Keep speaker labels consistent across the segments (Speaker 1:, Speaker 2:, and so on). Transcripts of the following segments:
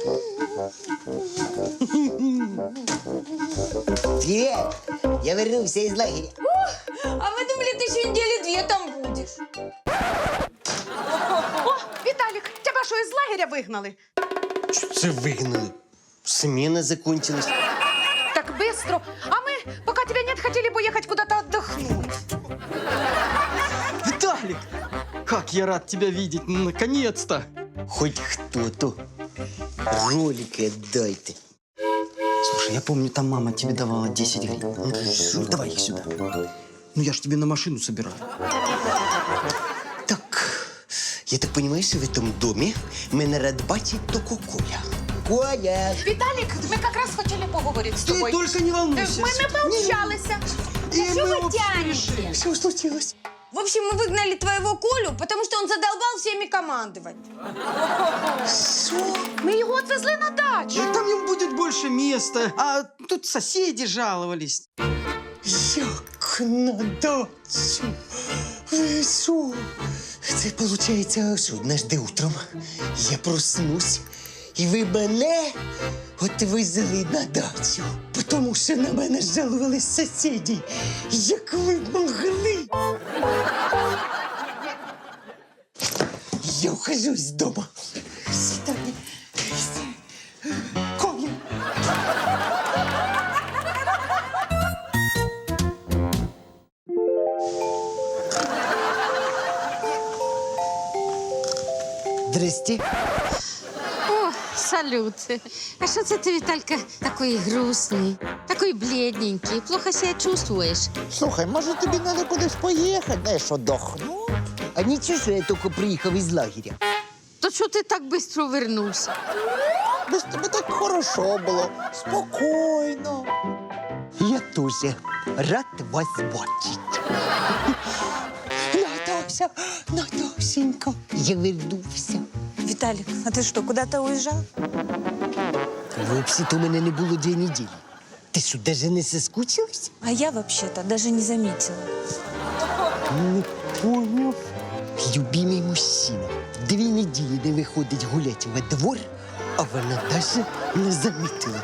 Speaker 1: Привет! Я вернулся из лагеря.
Speaker 2: А мы думали, ты еще недели 2 там будешь.
Speaker 3: О, Віталік, тебе що, із лагеря вигнали?
Speaker 1: Що це вигнали? Смена закончилась.
Speaker 3: Так быстро. А мы, пока тебя нет, хотели поехать куда-то отдохнуть.
Speaker 4: Виталик! Как я рад тебя видеть, наконец-то!
Speaker 1: Хоть кто-то. Ролики отдайте.
Speaker 4: Слушай, я помню, там мама тебе давала 10 гривен. Ну, давай их сюда. Ну, я ж тебе на машину собираю.
Speaker 1: Так, я так понимаю, что в этом доме мене рад бачить только Коля. Коля!
Speaker 3: Віталік, ми якраз хотіли поговорити з
Speaker 4: Ты
Speaker 3: тобою.
Speaker 4: только не волнуйся.
Speaker 3: Ми не пообщалися.
Speaker 2: Что вы тянете?
Speaker 1: Что случилось?
Speaker 2: В общем, мы выгнали твоего Колю, потому что он задолбал всеми командовать.
Speaker 3: Ми його відвезли на дачу.
Speaker 4: И там им будет больше места. А тут соседи жаловались.
Speaker 1: Як на дачу? Ви що? Це виходить, що однажды утром я проснусь, і ви мене отвезли на дачу, тому що на мене жалувались сусіди. Як ви могли? Я ухожу з дому. Свидання. Коля. Здрасте.
Speaker 5: О, салют. А що це ти, Віталька, такий грустний, такий бледненький? Плохо себе чувствуєш?
Speaker 1: Слухай, може тобі треба кудись поїхати, знаєш, отдохнути? А нічого, що я тільки приїхав із лагеря.
Speaker 5: То що ти так швидко вернувся?
Speaker 1: Без тебе так хорошо було, спокійно. Я теж рад вас бачити. Наташа, Наташенька, я вернувся.
Speaker 2: Виталик, а ты что, куда-то уезжал?
Speaker 1: Взагалі-то у мене не було 2 неділі. Ти що, навіть не соскучилась?
Speaker 2: А я вообще-то даже не заметила.
Speaker 1: Не поняв. Любимий мужчина 2 неділі не виходить гуляти во двор, а вона навіть не замітила.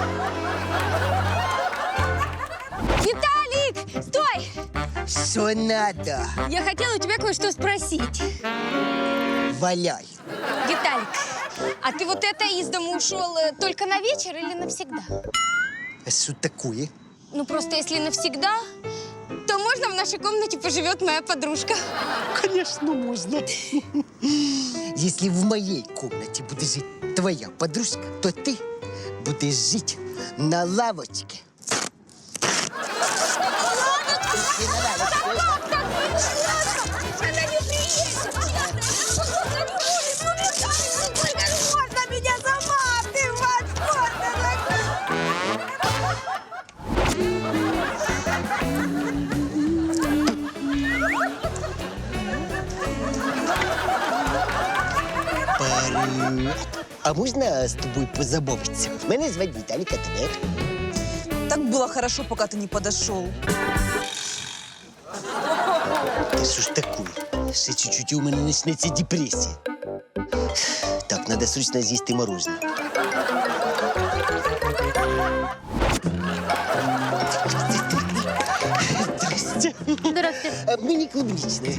Speaker 2: Виталик, стой!
Speaker 1: Що надо?
Speaker 2: Я хотела у тебя кое-что спросить.
Speaker 1: Валяй.
Speaker 2: Виталик, а ты вот это из дома ушел только на вечер или навсегда?
Speaker 1: А що таке?
Speaker 2: Ну, просто если навсегда, то можно в нашей комнате поживет моя подружка.
Speaker 1: Конечно, можно. Если в моей комнате будет жить твоя подружка, то ты будешь жить на лавочке.
Speaker 2: Она не приедет! Сколько можно меня заматывать?
Speaker 1: Привет. А можно с тобой позабавиться? Меня зовут Виталик, а тебя?
Speaker 6: Так было хорошо, пока ты не подошел.
Speaker 1: Да что ж такое? Ще чуть-чуть и у меня начнется депрессия. Так, надо срочно съесть мороженое. Здрасте.
Speaker 5: Здравствуйте.
Speaker 1: А мы не клубничные.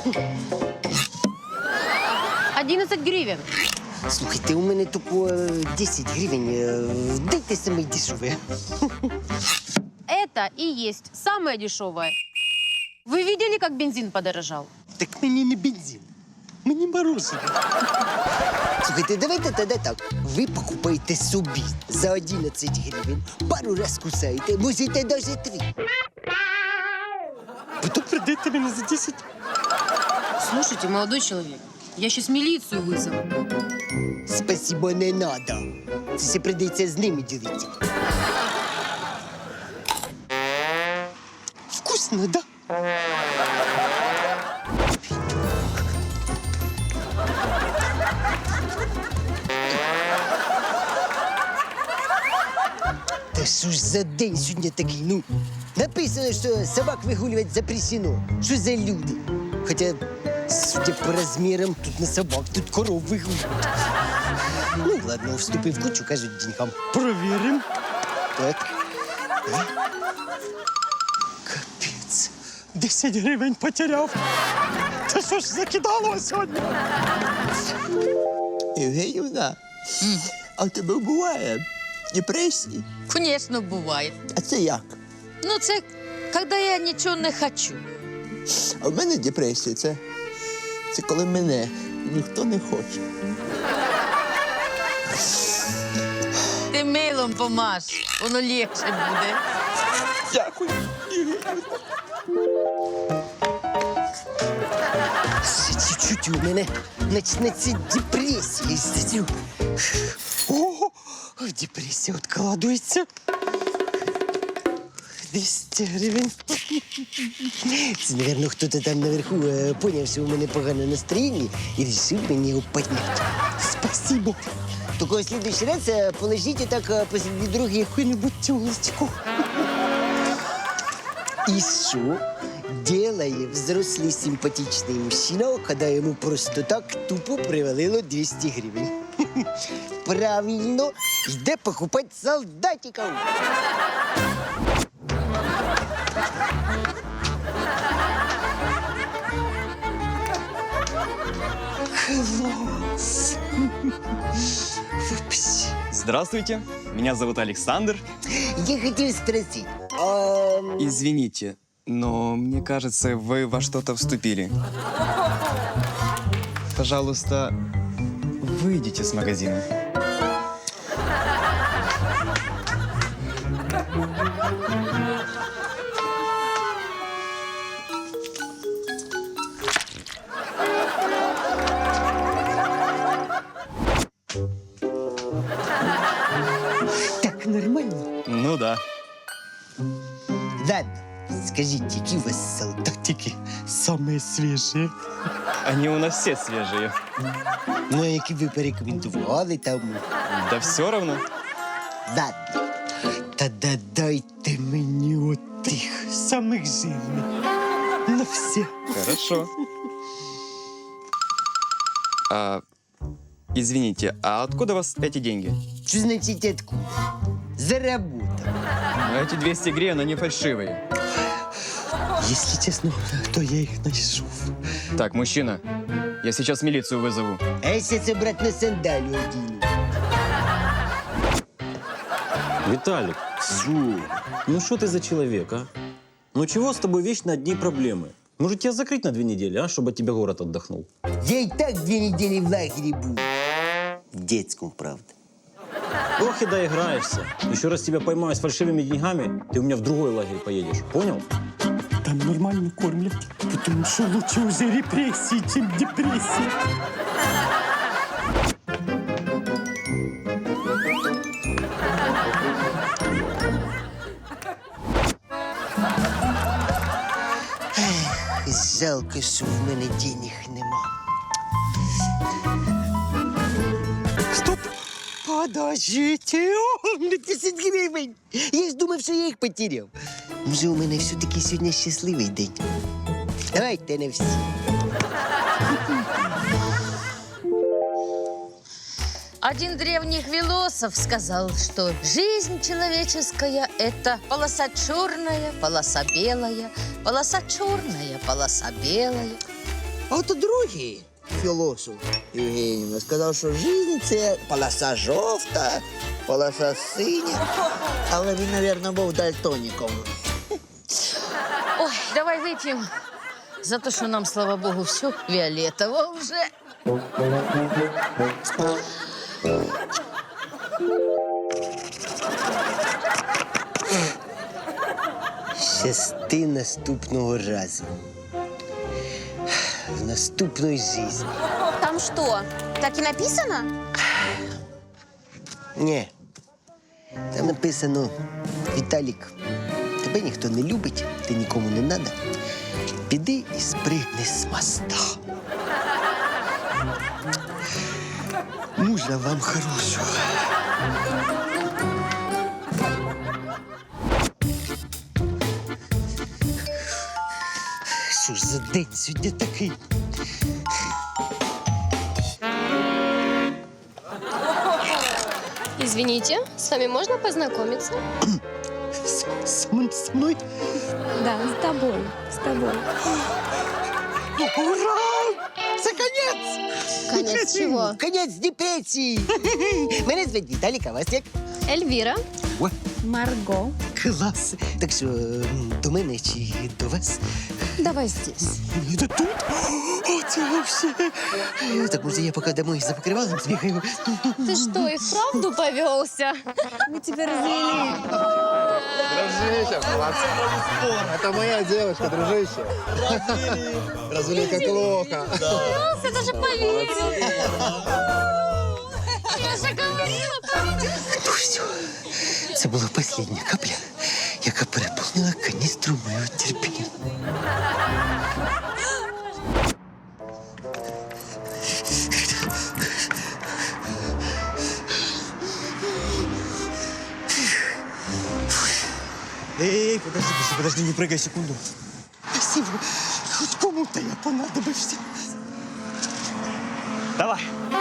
Speaker 5: 11 гривен.
Speaker 1: Слухайте, у мене тільки 10 гривень. Дайте самі дешеві.
Speaker 5: Это и есть самое дешевое. Вы видели, как бензин подорожал?
Speaker 1: Так мені не бензин, мені мороженое. Слухайте, давайте тоді так. Ви покупаєте собі за 11 гривень, пару раз кусаєте, можете навіть 3. Потім продаєте мене за 10.
Speaker 5: Слушайте, молодой человек, я сейчас милицию вызову.
Speaker 1: Спасибо, не надо. Це все прийдеться з ними ділити. Вкусно, да? Та що ж за день сьогодні такий? Ну, написано, що собак вигулювати запрещено. Що за люди? Хоча, судя по розмірам, тут не собак, тут коров вигулюють. Ну, ладно, вступив в кучу, кажуть, деньгам. Провіримо. Так. Капець. 10 гривень потеряв. Та що ж закидало сьогодні?
Speaker 7: Євгенівна, а в тебе буває депресії?
Speaker 5: Звісно, буває.
Speaker 7: А це як?
Speaker 5: Ну, це коли я нічого не хочу.
Speaker 7: А в мене депресія це коли мене ніхто не хоче.
Speaker 5: Ти милом помаш, воно легше буде.
Speaker 7: Дякую.
Speaker 1: Ще чуть-чуть у мене почнеться депресія. Сидю. Ого, депресія відкладується. 200 гривень. Це, мабуть, хтось там наверху поняв, що у мене погане настроєння і вирішив мені його підняти. Спасибо. Тільки в следующий раз положите так посреди дороги яку-нибудь тёлочку. И что делает взрослый симпатичный мужчина, когда ему просто так тупо привалило 200 гривен? Правильно, йде покупать солдатиков. Класс. Вообще.
Speaker 8: Здравствуйте, меня зовут Александр.
Speaker 1: Я хотел спросить, а...
Speaker 8: Извините, но мне кажется, вы во что-то вступили. Пожалуйста, выйдите с магазина.
Speaker 1: Так нормально?
Speaker 8: Ну да.
Speaker 1: Ладно, скажите, какие у вас солдатики самые свежие?
Speaker 8: Они у нас все свежие.
Speaker 1: Ну, а які ви порекомендували там?
Speaker 8: Да все равно.
Speaker 1: Ладно, тоді дайте мені отих самих жирних. На все.
Speaker 8: Хорошо. Извините, а откуда у вас эти деньги?
Speaker 1: Що значить откуда? Заработал.
Speaker 8: Ну, эти 200 гривен, они фальшивые.
Speaker 1: Если честно, то я их нашел.
Speaker 8: Так, мужчина, я сейчас милицию вызову.
Speaker 1: А я сейчас обратно сандалию одену.
Speaker 9: Виталик, ну что ты за человек, а? Ну чего с тобой вечно одни проблемы? Может, тебя закрыть на 2 недели, а? Чтобы от тебя город отдохнул.
Speaker 1: Я и так 2 недели в лагере был. В детском, правда.
Speaker 9: Ох и доиграешься. Еще раз тебя поймаю с фальшивыми деньгами, ты у меня в другой лагерь поедешь. Понял?
Speaker 1: Там нормально кормят, потому что лучше уже репрессии, чем депрессия. Жалко, що в мене денег нема. Стоп! Подождите! О, 10 гривень! Я ж думав, що я їх потеряв. Може, у мене все-таки сьогодні щасливий день. Давайте на всі.
Speaker 5: Один древний философ сказал, что жизнь человеческая – это полоса черная, полоса белая, полоса черная, полоса белая.
Speaker 7: А от другий філософ Євгенівна сказав, що життя – це полоса жовта, полоса синя. Але він, мабуть, був дальтоніком.
Speaker 5: Ой, давай выпьем за то, что нам, слава богу, все фиолетово уже.
Speaker 1: Щасти наступного разу. В наступної житті.
Speaker 2: Там что, так и написано?
Speaker 1: Ні. Там написано: Віталік, тебе ніхто не любить, ти нікому не надо. Піди і спригни з моста. Мужа вам хорошого. Що ж за день сьогодні такий?
Speaker 2: Извините, с вами можно познакомиться?
Speaker 1: Со мной?
Speaker 2: Да, с тобой. С тобой.
Speaker 1: Ура! Це конець!
Speaker 2: Конец чего?
Speaker 1: Конець депресії! Мене звуть Віталік, а вас як?
Speaker 2: Эльвира.
Speaker 1: О,
Speaker 2: Марго.
Speaker 1: клас! Так що, до мене чи до вас?
Speaker 2: Давай здесь.
Speaker 1: Это тут? О, це вообще! Так, може, я поки домой за покривалом збігаю?
Speaker 2: Ты что, и вправду повелся? Мы тебя развели.
Speaker 10: Дружище, молодцы. Это моя девушка, дружище. Развели как плохо.
Speaker 2: Повелся, даже поверил. Я же говорила,
Speaker 1: Ну все, це була остання капля, яка переповнила каністру моєго терпіння.
Speaker 4: Эй, подожди, не прыгай, секунду.
Speaker 1: Спасибо, хоть кому-то я понадобився.
Speaker 4: Давай.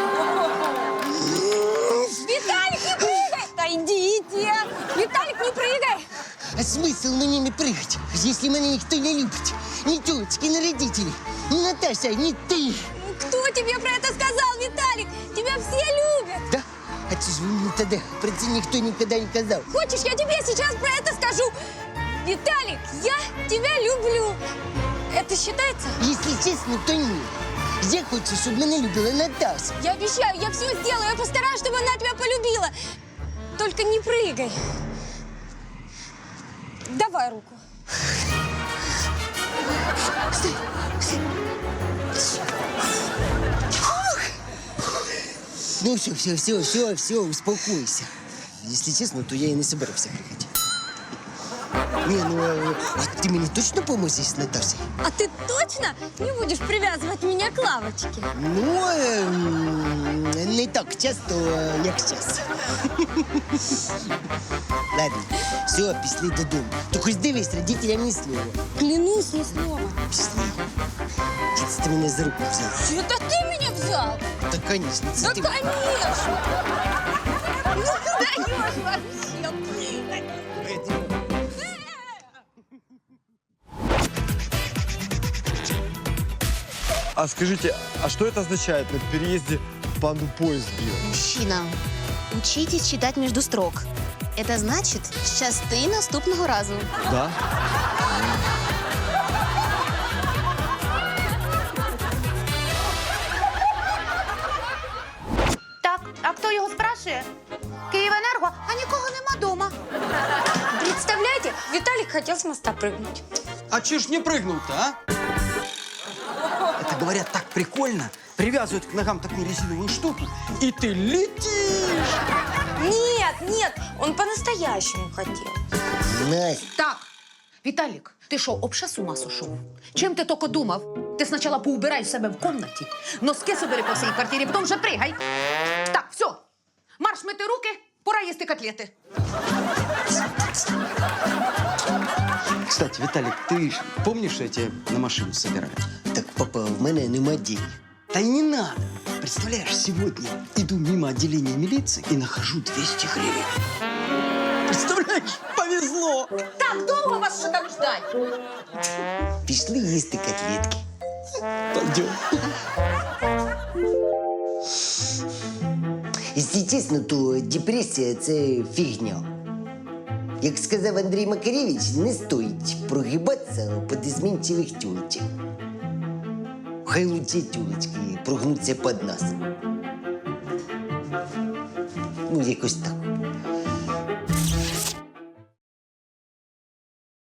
Speaker 2: Виталик, не прыгай! Да идите! Виталик, не прыгай!
Speaker 1: А смысл мені не пригать, если мене ніхто не любить? Ни тёлочки, ни родители, ни Наташа, ни ты.
Speaker 2: Кто тебе про это сказал, Виталик? Тебя все любят!
Speaker 1: Да? А це ж ви мені тоді про це ніхто ніколи не казав.
Speaker 2: Хочешь, я тебе сейчас про это скажу? Виталик, я тебя люблю. Это считается?
Speaker 1: Если честно, то ні. Я хочу, щоб мене любила Наташа.
Speaker 2: Я обещаю, я все сделаю. Я постараюсь, чтобы она тебя полюбила. Только не прыгай. Давай руку.
Speaker 1: Ну все, успокойся. Если честно, то я и не собирався прыгать. Не, ну, а ты мне точно поможешь с Наташей?
Speaker 2: А ты точно не будешь привязывать меня к лавочке?
Speaker 1: Ну, не так часто, як зараз. Ладно, все, пішли додому. Тільки дивись, родителям ні слова.
Speaker 2: Клянусь, ни слова.
Speaker 1: Пішли. Це ти мене за руку взяв.
Speaker 2: Это ты меня взял?
Speaker 1: Та, конечно, це
Speaker 2: Да,
Speaker 1: ти.
Speaker 2: конечно! Ну, ты даешь вообще!
Speaker 10: А скажите, а что это означает? На переезде панду поезд бил?
Speaker 11: Мужчина, учитесь читать между строк. Это значит, щасти наступного разу.
Speaker 10: Да?
Speaker 3: Так, а хто його спрашує? Київенерго, а нікого нема дома.
Speaker 2: Представляете, Виталик хотел с моста прыгнуть.
Speaker 4: А че ж не прыгнул-то, а? Это, говорят, так прикольно. Привязывают к ногам такую резиновую штуку, и ты летишь.
Speaker 2: Нет, он по-настоящему хотел.
Speaker 1: Настя,
Speaker 3: Так, Віталік, ти що, обще з ума сошов? Чим ти тільки думав? Ти спочатку поубирай в себе в кімнаті, носки собери по всій квартирі, потім вже пригай. Так, все, марш мити руки, пора їсти котлети.
Speaker 4: Кстати, Виталик, ты ж помнишь, что я тебя на машину собираю?
Speaker 1: так, папа, в мене нема денег.
Speaker 4: Да и не надо. Представляешь, сегодня иду мимо отделения милиции и нахожу 200 гривен. Представляешь, повезло.
Speaker 3: Так, довго вас ще там ждать?
Speaker 1: Пішли їсти котлетки.
Speaker 4: Пойдем.
Speaker 1: Якщо чесно, то депресія – це фігня. Як сказав Андрій Макаревич, не стоїть прогибатися під изменчивих тюлечок. Хай лучше тюлечки прогнуться під нас. Ну, якось так.